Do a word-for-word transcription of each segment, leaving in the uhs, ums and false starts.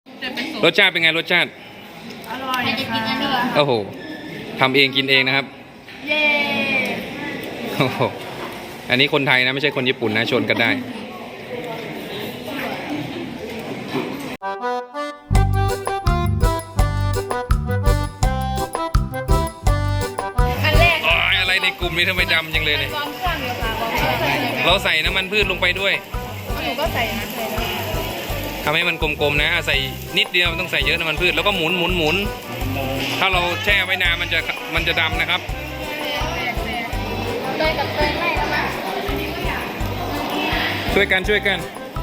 รสชาติเป็นไงรสชาติอร่อยค่ะโอ้โหทำเองกินเองนะครับเย้โอ้โหอันนี้คนไทยนะไม่ใช่คนญี่ปุ่นนะชนกันได้อันแรกอะไรในกลุ่มนี้ทำไมดำจังเลยเนี่ยวอร์มเครื่องอยู่ค่ะวอร์มเครื่องเราใส่น้ำมันพืชลงไปด้วยหนูก็ใส่นะใส่แล้วทำให้มันกลมๆนะใส่นิดเดียวมันต้องใส่เยอะน้ำมันพืชแล้วก็หมุนหมุนหมุนถ้าเราแช่ไว้นานมันจะมันจะดำนะครับเตยกับเตยไม่แล้วมั้งช่วยกันช่วยกัน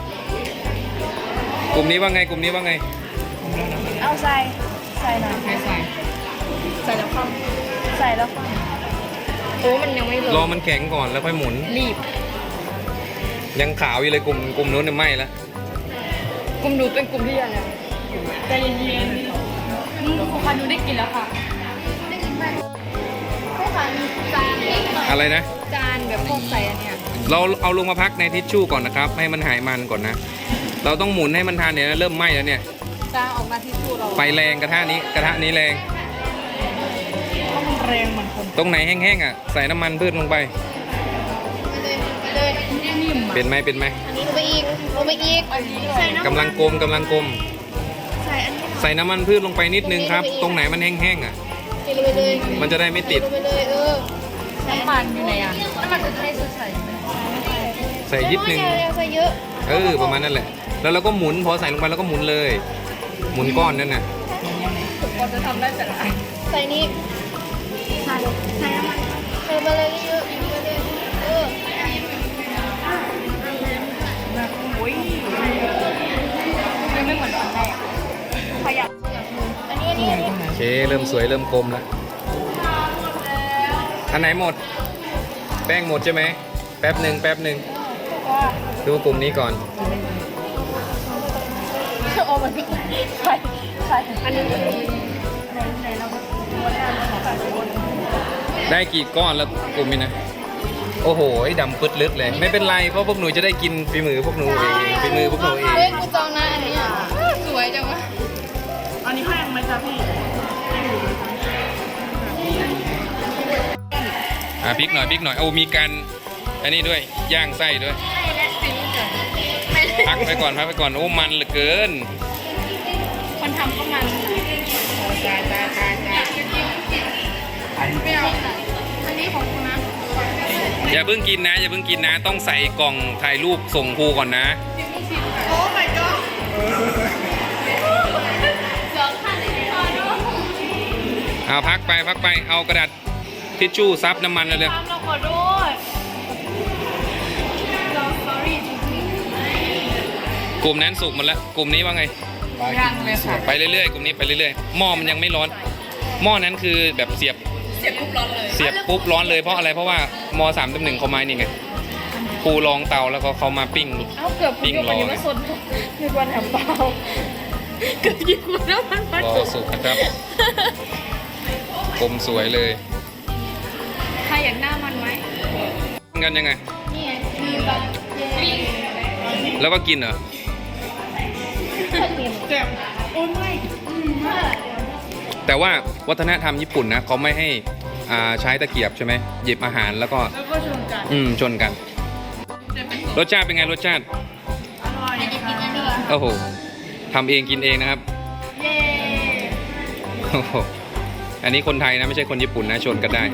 กลุ่มนี้ว่าไงกลุ่มนี้ว่าไงเอาใส่ใส่นะใส่ใส่ใส่แล้วคว่ำใส่แล้วคว่ำโอ้มันยังไม่ลงรอมันแข็งก่อนแล้วค่อยหมุนรีบยังขาวอยู่เลยกลุ่มกลุ่มนู้นเนี่ยไหม้แล้วกลุ่มหนูเป็นกลุ่มที่อะไรใจเย็นๆอืมของคันหนูได้กินแล้วค่ะได้กินไหมพวกคันจานเล็กหน่อยอะไรนะจานแบบพวกใส่อันเนี้ยเราเอาลงมาพักในทิชชู่ก่อนนะครับให้มันหายมันก่อนนะ เราต้องหมุนให้มันทานเนี่ยนะเริ่มไหม้แล้วเนี่ยจานออกมาที่ชูเราไฟแรงกระทะนี้กระทะนี้แรงเพราะมันแรงเหมือนคนตรงไหนแห้งๆอ่ะใส่น้ำมันพืชลงไปเลยนิ่มเป็นไหมเป็นไหมอันนี้ลงไปอีกลงไปอีกใส่น้ำกำลังกลมกำลังกลมใส่อันนี้ใส่น้ำมันพืชลงไปนิดนึงครับ ตรงไหนมันแห้งๆอ่ะใส่ลงไปเลยมันจะได้ไม่ติดลงไปเลยเออน้ำมันอยู่ไหนอ่ะน้ำมันจะให้ใส่ไหมใส่ยิดนึงใส่เยอะเออประมาณนั้นแหละ แล้วเราก็หมุนพอใส่ลงไปแล้วก็หมุนเลย หมุนก้อนนั่นน่ะก็จะทำได้แต่ละใส่นี้ใส่ใส่น้ำมันใส่ไปเลยเยอะๆไปเลยเออโอ้ยยังไม่เหมือนตอนแรกขยับอันนี้อันนี้อันนี้โอเคเริ่มสวยเริ่มกลมแล้วอันไหนหมด แป้งหมดใช่ไหมแป๊บหนึ่งแป๊บหนึ่งดูกลุ่มนี้ก่อนโอ้มันก็ใส่ใส่อันนี้ในในเราวันแรกเราขอใส่บนได้กี่ก้อนแล้วกลุ่มนี้นะ โอ้โหดำปึ๊ดลึกเลย ไม่เป็นไรเพราะพวกหนูจะได้กินฝีมือพวกหนูเองฝีมือพวกหนูเองเฮ้ยกูจองนะอันนี้อ่ะสวยจังวะอันนี้แพงไหมจ๊ะพี่อ่ะพริกหน่อยพริกหน่อยโอ้มีการอันนี้ด้วยย่างไส้ด้วยไม่ได้ซิวจ้ะพักไปก่อนพักไปก่อนโอ้มันเหลือเกินคนทำก็มันจ้าจ้าจ้าจ้าไม่เอาอันนี้ของคุณนะอย่าเพิ่งกินนะอย่าเพิ่งกินนะ ต้องใส่กล่องถ่ายรูปส่งครูก่อนนะโอ้ my god เสือขันเลยค่ะเนาะเอาพักไปพักไปเอากระดาษทิชชู่ซับน้ำมันเลยทำเราขอโทษเรา sorry จริงกลุ่มนั้นสุกหมดแล้วกลุ่มนี้ว่าไงๆยังเลยค่ะไปเรื่อยๆกลุ่มนี้ไปเรื่อยๆหม้อมันยังไม่ร้อนหม้อนั้นคือแบบเสียบเสียบปุ๊บร้อนเลยเสียบปุ๊บร้อนเลยเพราะอะไรเพราะว่ามสามตำหนึ่งเขาไม้นี่ไงครูลองเตาแล้วก็เขามาปิ้งเอ้าเกือบพุ่งไปยังไม่สนนึกว่าแถวเปล่าเกือบยิงมาแล้วมันมันรอสุกนะครับกลมสวยเลยใครอยากหน้ามันไหมกันยังไงนี่ไงมีแบบปิ้งแล้วก็กินเหรอเจ็บโอ้ยไม่แต่ว่าวัฒนธรรมญี่ปุ่นนะเขาไม่ให้อ่าใช้ตะเกียบใช่ไหมหยิบอาหารแล้วก็แล้วก็ชนกันอืมชนกัน รสชาติเป็นไงรสชาติอร่อยค่ะโอ้โหทำเองกินเองนะครับเย้โอ้โหอันนี้คนไทยนะไม่ใช่คนญี่ปุ่นนะชนกันได้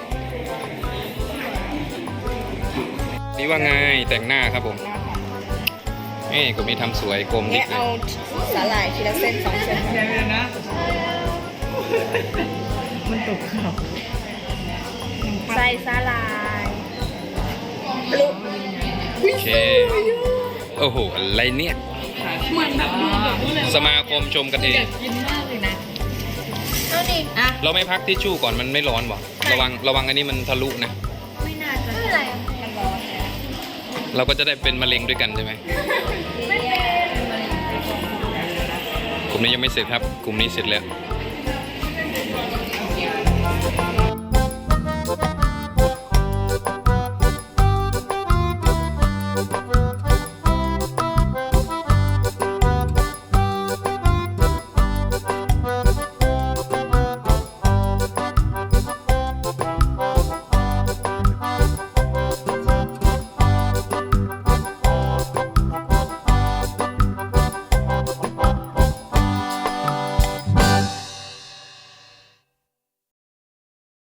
นี่ว่าไงแต่งหน้าครับผมนี่กลุ่มนี้ทำสวยกลมดิแกกเลยเอาสาหร่ายทีละเส้นสองเส้นเดี๋ยวนะมันตกข่าวใส่สาหร่ายลุกโอเคโอ้โหอะไรเนี่ยเหมือนแบบดูแบบนู้นเลยสมาคมชมกันเองกินมากเลยนะเอาดิอ่ะเราไม่พักทิชชู่ก่อนมันไม่ร้อนวะระวังระวังอันนี้มันทะลุนะไม่น่าจะไม่เป็นไรมันร้อนเราก็จะได้เป็นมะเร็งด้วยกันใช่ไหมไม่เป็นกลุ่มนี้ยังไม่เสร็จครับ กลุ่มนี้เสร็จแล้วเ